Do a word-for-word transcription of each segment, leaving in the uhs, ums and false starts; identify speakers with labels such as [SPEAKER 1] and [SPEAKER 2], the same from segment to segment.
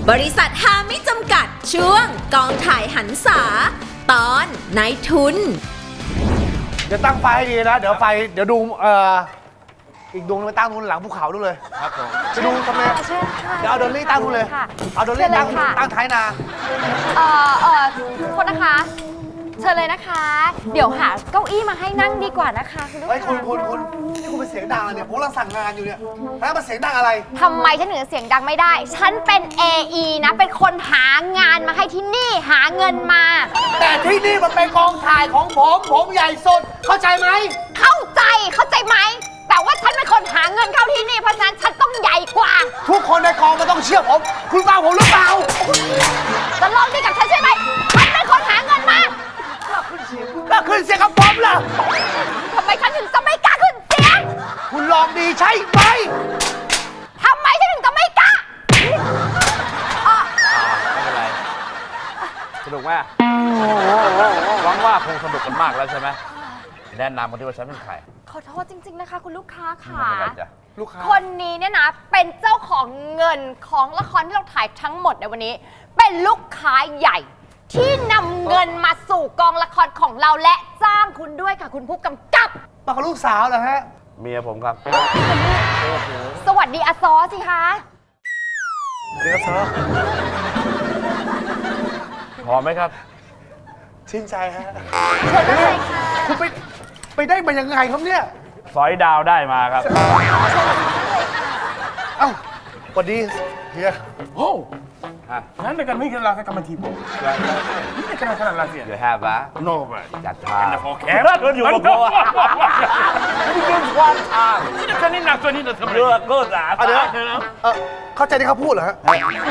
[SPEAKER 1] บริษัทฮาไม่จำกัดช่วงกองถ่ายหันษาตอนนายทุน
[SPEAKER 2] เดี๋ยวตั้งไฟให้ดีนะเดี๋ยวไฟเดี๋ยวดูเอ่ออีกดวงไปตั้งนู่นหลังภูเขาดูเลยครับผมจะดูทำไมเดี๋ยวเอาดอลลี่ตั้งนู่นเลยเอาดอลลี่ตั้งตั้งท้ายนา
[SPEAKER 3] เอ่อเอ่อคนนะคะเชิญเลยนะคะเดี๋ยวหาเก้าอี้มาให้นั่งดีกว่านะคะคุณลูกค้า
[SPEAKER 2] เฮ้ยคุณคุณคุณนี่คุณเป็นเสียงดังอะไรเนี่ยผมกำลังสั่งงานอยู่เนี่ยแล้วมาเสียงดังอะไร
[SPEAKER 3] ทำไมฉันถึงเสียงดังไม่ได้ ฉันเป็น เอ อี นะเป็นคนหางานมาให้ที่นี่หาเงินมา
[SPEAKER 2] แต่ที่นี่มันเป็นกองถ่ายของผมผมใหญ่สุดเข้าใจไหม
[SPEAKER 3] เข้าใจเข้าใจไหมแต่ว่าฉันเป็นคนหาเงินเข้าที่นี่เพราะฉะนั้นฉันต้องใหญ่กว่า
[SPEAKER 2] ทุกคนในกองมันต้องเชื่อผมคุณฟังผมหรือเปล่า
[SPEAKER 3] จะลองดีกับฉันใช่ไหมฉันเป็นคนหาเงินมา
[SPEAKER 2] ก็ขึ้นเสียงกับผมล่ะ
[SPEAKER 3] ทำไมฉันถึงจะไม่กล้าขึ้นเสียง
[SPEAKER 2] คุณลองดีใช่ไหม
[SPEAKER 3] ทำไมฉันถึงจะไม่กล้า
[SPEAKER 4] ไม่เป็นไรสนุกไหมหวังว่าคงสนุกกันมากแล้วใช่ไหมแนะนำกันที่ว่าฉันเป็นใคร
[SPEAKER 3] ขอโทษจริงๆนะคะคุณลูกค้าค่ะ
[SPEAKER 4] ไม่เป็นไรจ้ะ
[SPEAKER 2] ลูกค้า
[SPEAKER 3] คนนี้เนี่ยนะเป็นเจ้าของเงินของละครที่เราถ่ายทั้งหมดในวันนี้เป็นลูกค้าใหญ่ที่นำเงินมาสู่กองละครของเราและจ้างคุณด้วยค่ะคุณผู้กำกับ
[SPEAKER 2] มากับลูกสาวเหรอฮะ
[SPEAKER 4] เมียผมครับ
[SPEAKER 3] สวัสดีอาซอสิคะ
[SPEAKER 2] เดี๋ยวซอ
[SPEAKER 4] พอไหมครับ
[SPEAKER 2] ชื่นใจฮะ
[SPEAKER 3] เชิญเลยค่ะ
[SPEAKER 2] คุณไปไปได้มายังไงครับเนี่ย
[SPEAKER 4] สอยดาวได้มาครับ
[SPEAKER 2] เอ้าสวัสดีเฮีย
[SPEAKER 5] โอ้นั่นในการไม่กันลาสักกรรมทีผมนี่ในการขนาดลาเสีย
[SPEAKER 4] เดี๋ยวแฮปะ
[SPEAKER 5] โน่ไป
[SPEAKER 4] จัดทาง
[SPEAKER 5] โอเคแล้วอยู่กับผมนี่คือความทางนี่จะนี่หนักตัวนี้จะทำอะไร
[SPEAKER 4] เลือกก็สา
[SPEAKER 2] เดี๋ยวเออเข้าใจที่เขาพูดเหรอฮะ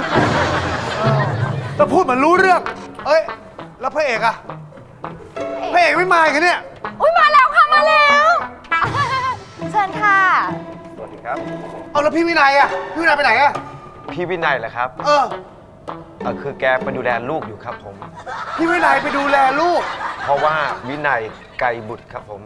[SPEAKER 2] ก็พูดเหมือนรู้เรื่องเอ้ยแล้วพระเอกอะพระเอกไม่มากันเนี่ย
[SPEAKER 3] อุ้ยมาแล้วค่ะมาแล้วเชิญค่ะ
[SPEAKER 2] สวัสดีครับเอาแล้วพี่วินัยอะพี่วินัยไปไหนอะ
[SPEAKER 6] พี่วินัยเหรอครับ
[SPEAKER 2] เออ
[SPEAKER 6] เออคือแกไปดูแลลูกอยู่ครับผม
[SPEAKER 2] พี่วินัยไปดูแลลูก
[SPEAKER 6] เพราะว่าวินัยไกรบุตรครับผม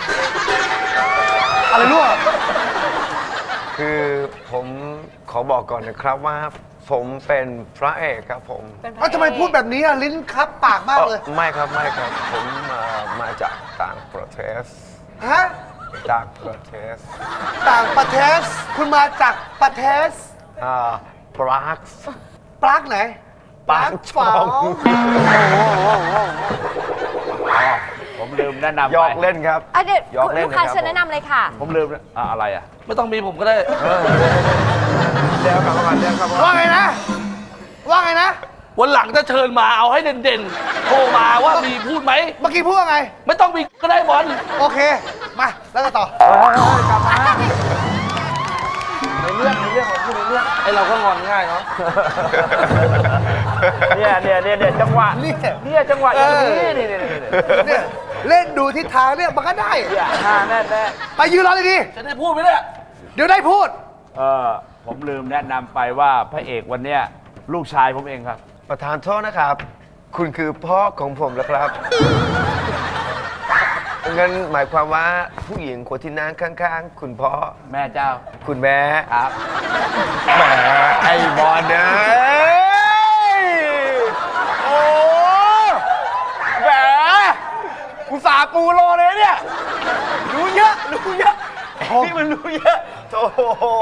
[SPEAKER 2] อะไรลูก
[SPEAKER 6] คือผมขอบอกก่อนนะครับว่าผมเป็นพระเอกครับผม
[SPEAKER 2] แล้วทำไมพูดแบบนี้อะลิ้นคับปากมากเลย
[SPEAKER 6] ไม่ครับไม่ครับผมมามาจากต่างประเทศ
[SPEAKER 2] ฮะ
[SPEAKER 6] ต่างประเทศ
[SPEAKER 2] ต่างประเทศคุณมาจากประเทศ
[SPEAKER 6] อ่าปราก
[SPEAKER 2] ปรากไหน
[SPEAKER 6] ปรากฟอง
[SPEAKER 4] ผมลืมแนะนำ
[SPEAKER 6] หยอกเล่นครับ
[SPEAKER 3] เดี๋ยวลูกค้าเชิญแนะนำเลยค่ะ
[SPEAKER 4] ผมลืมอะไรอ่ะไม่ต้องมีผมก็ได้
[SPEAKER 6] เดี๋ยวกลับมาก่อนเดี๋ยวกลับมา
[SPEAKER 2] ว่าไงนะว่าไงนะ
[SPEAKER 5] วันหลังจะเชิญมาเอาให้เด่นๆโทรมาว่ามีพูดไหม
[SPEAKER 2] เมื่อกี้พูดว่าไง
[SPEAKER 5] ไม่ต้องมีก็ได้บอล
[SPEAKER 2] โอเคมาแล้วก็ต่อกลับมาในเรื่องในเรื่องของคุณในเรื่อง
[SPEAKER 5] ไอเราก็งอนง่ายเนาะ
[SPEAKER 4] เนี่ยเนี่ยเนี่ยเนี่ยจังหวะนี่เนี่ยจังหวะอย่างนี้นี่นี่
[SPEAKER 2] เนี่ยเล่นดูทิศทางเนี่ยมันก็ได้
[SPEAKER 4] เนี่ยแน่แน่
[SPEAKER 2] ไปยืนรอเลยดิ
[SPEAKER 5] จะได้พูดไหมเนี่ย
[SPEAKER 2] เดี๋ยวได้พูด
[SPEAKER 4] เออผมลืมแนะนำไปว่าพระเอกวันเนี้ยลูกชายผมเองครับ
[SPEAKER 6] ประธานโทษนะครับคุณคือพ่อของผมแล้วครับงั้นหมายความว่าผู้หญิงคนที่นั่งข้างๆคุณพ่อ
[SPEAKER 4] แม่เจ้า
[SPEAKER 6] คุณแม่
[SPEAKER 4] ครับ
[SPEAKER 6] แหมไอ้บอลเอ้ยโอ้แหมอุตส่าห์ปูโลเลยเนี่ยรู้เยอะรู้เยอะนี่มันรู้เยอะโอ้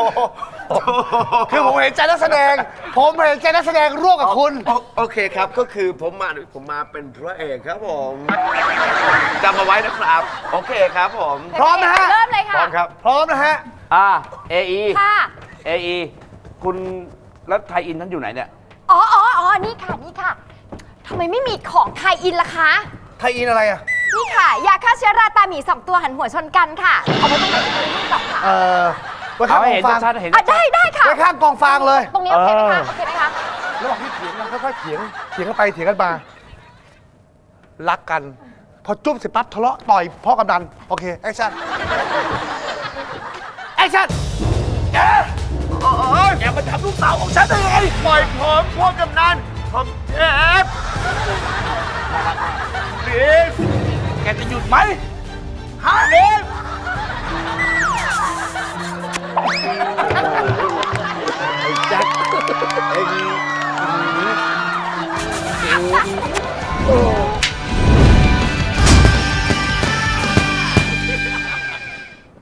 [SPEAKER 2] คือผมเห็นใจนักแสดงผมเห็นใจนักแสดงร่วมกับคุณ
[SPEAKER 6] โอเคครับก็คือผมมาผมมาเป็นพระเอกครับผมจำมาไว้นะครับโอเคครับผม
[SPEAKER 2] พร้อมนะฮะ
[SPEAKER 3] เริ่มเลยค่ะ
[SPEAKER 6] พร้อมครับ
[SPEAKER 2] พร้อมนะฮะ
[SPEAKER 4] อ่าเอไอ
[SPEAKER 3] ค่ะ
[SPEAKER 4] เอไอคุณแล้วไทยอินท่านอยู่ไหนเนี่ย
[SPEAKER 3] อ๋ออ๋ออ๋อนี่ค่ะนี่ค่ะทำไมไม่มีของไทยอินล่ะคะ
[SPEAKER 2] ไทยอินอะไรอ่ะ
[SPEAKER 3] นี่ค่ะยาฆ่าเชื้อราตาหมีสองตัวหันหัวชนกันค่ะเอาไว้ตรงไหนตรงนี้ก่อนค่ะ
[SPEAKER 2] เออไว้ข้างกองฟาง
[SPEAKER 3] ได้ได้ค่ะ
[SPEAKER 2] ไว้ข้างกองฟางเลย
[SPEAKER 3] ตรงนี้โอเคไหมคะโอเคไหมคะ
[SPEAKER 2] ระหว่างที่เถียงกันค่อยๆเถียงเถียงกันไปเถียงกันมารักกันพอจุ้มเสร็จปั๊บทะเลาะต่อยพ่อกำนันโอเคแอคชั่นแอคชั่น
[SPEAKER 5] แกแกมาจับลูกสาวของฉันได้ไง
[SPEAKER 6] ปล่อยผมพ่อกำนันผมเจ็บ
[SPEAKER 5] ดิฟแกจะหยุดไหมฮะดิฟ
[SPEAKER 6] ไอ้แจ็คเอ็ง